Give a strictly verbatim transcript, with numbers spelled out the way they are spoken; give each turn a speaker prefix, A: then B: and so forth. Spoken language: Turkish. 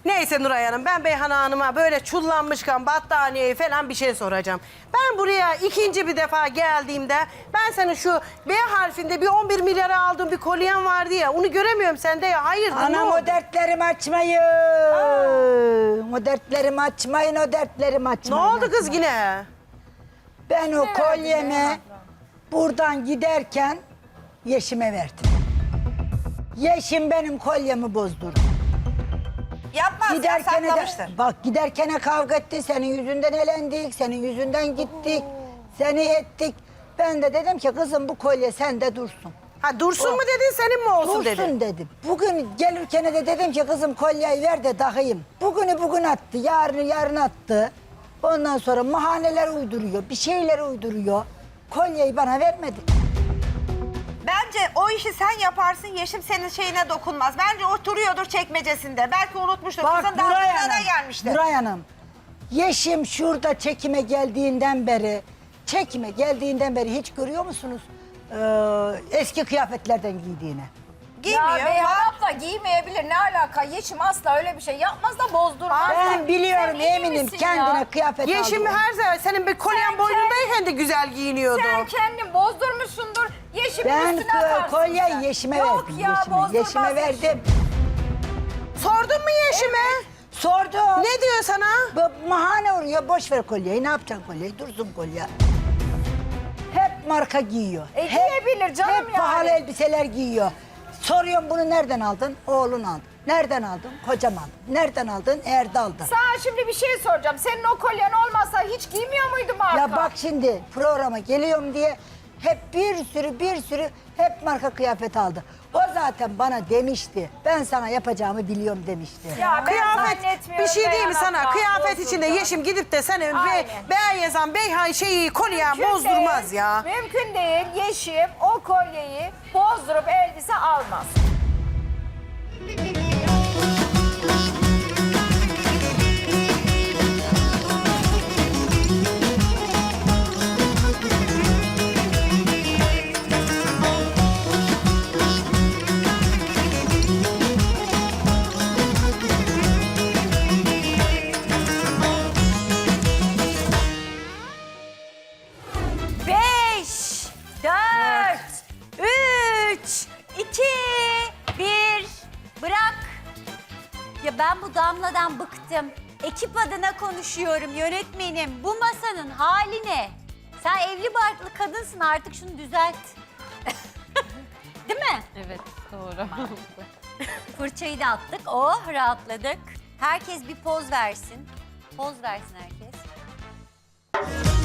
A: Neyse Nuray Hanım, ben Beyhan Hanım'a böyle çullanmışken battaniyeyi falan bir şey soracağım. Ben buraya ikinci bir defa geldiğimde ben senin şu B harfinde bir on bir milyara aldığın bir kolyen vardı ya, onu göremiyorum sende ya. Hayırdır, ne
B: Anam
A: oldu?
B: o dertlerimi açmayın. O dertlerimi açmayın, o dertlerimi
A: Ne
B: açmayın.
A: oldu kız yine?
B: Ben o kolyemi buradan giderken Yeşim'e verdim. Yeşim benim kolyemi bozdurdu.
C: Yapmaz ya,
B: Giderken de,
C: saklamıştır.
B: bak giderken kavga etti, senin yüzünden elendik, senin yüzünden gittik, seni ettik. Ben de dedim ki kızım bu kolye sende dursun.
A: Ha dursun mu dedin, senin mi olsun
B: Dursun
A: dedin?
B: dedim. Bugün gelirken de dedim ki kızım kolyeyi ver de takayım. Bugünü bugün attı, yarını yarın attı. Ondan sonra mahaneler uyduruyor, bir şeyler uyduruyor. Kolyeyi bana vermedi.
C: Bence o işi sen yaparsın, Yeşim senin şeyine dokunmaz. Bence oturuyordur çekmecesinde. Belki unutmuştur.
B: Bak
C: Kızın
B: Nuray
C: dağıtımına
B: Hanım,
C: gelmiştir.
B: Nuray Hanım. Yeşim şurada çekime geldiğinden beri, çekime geldiğinden beri hiç görüyor musunuz? Ee, eski kıyafetlerden giydiğini.
C: Giymiyor.
D: Ya Beyhan
C: var.
D: abla giymeyebilir, ne alaka? Yeşim asla öyle bir şey yapmaz da bozdurmaz.
B: Ben biliyorum,
D: Sen iyi
B: eminim
D: misin
B: kendine
D: ya?
B: kıyafet
A: Yeşim
B: aldı.
A: her zaman senin bir kolyen
D: Sen
A: boynundayken de güzel giyiniyordu.
D: Sen kendin bozdurmuşsundur. Yeşimin
B: Ben
D: üstüne atarsın
B: kolyeyi
D: sen.
B: Yeşim'e
D: Yok
B: verdim.
D: ya,
B: Yeşim'e.
D: bozdurmaz
B: Yeşim'e
D: Yeşim.
B: verdim.
A: Sordun mu Yeşim'e?
B: Sordum.
A: Ne diyor sana?
B: Bu mahane uğruyor, boş ver kolyeyi. Ne yapacaksın kolyeyi? Dursun kolye. Hep marka giyiyor.
D: E,
B: hep,
D: giyebilir canım
B: hep
D: yani.
B: pahalı elbiseler giyiyor. Soruyorum bunu nereden aldın? Oğlun aldı. Nereden aldın? Kocam aldı. Nereden aldın? Erdal'da.
D: Sana şimdi bir şey soracağım. Senin o kolyen olmasa hiç giymiyor muydu marka?
B: Ya bak şimdi programa geliyorum diye hep bir sürü bir sürü hep marka kıyafet aldı. O zaten bana demişti. Ben sana yapacağımı biliyorum demişti.
D: Ya ben
A: Kıyafet
D: zannetmiyorum
A: bir şey değil mi
D: Beyhan
A: sana?
D: abla,
A: Kıyafet
D: bozuldu.
A: içinde Yeşim gidip de senin be,
D: Aynen.
A: beğen yazan Beyhan şeyi kolyen
D: Mümkün
A: bozdurmaz
D: değil,
A: ya.
D: Mümkün değil. Yeşim o kolyeyi bozdurup elbise almaz.
E: Beş, dört, üç, iki, bir. Bırak. Ya ben bu Damla'dan bıktım. Ekip adına konuşuyorum yönetmenim. Bu masanın hali ne? Sen evli barklı kadınsın, artık şunu düzelt. Değil mi?
F: Evet, doğru.
E: Fırçayı da attık. Oh, rahatladık. Herkes bir poz versin. Poz versin herkes.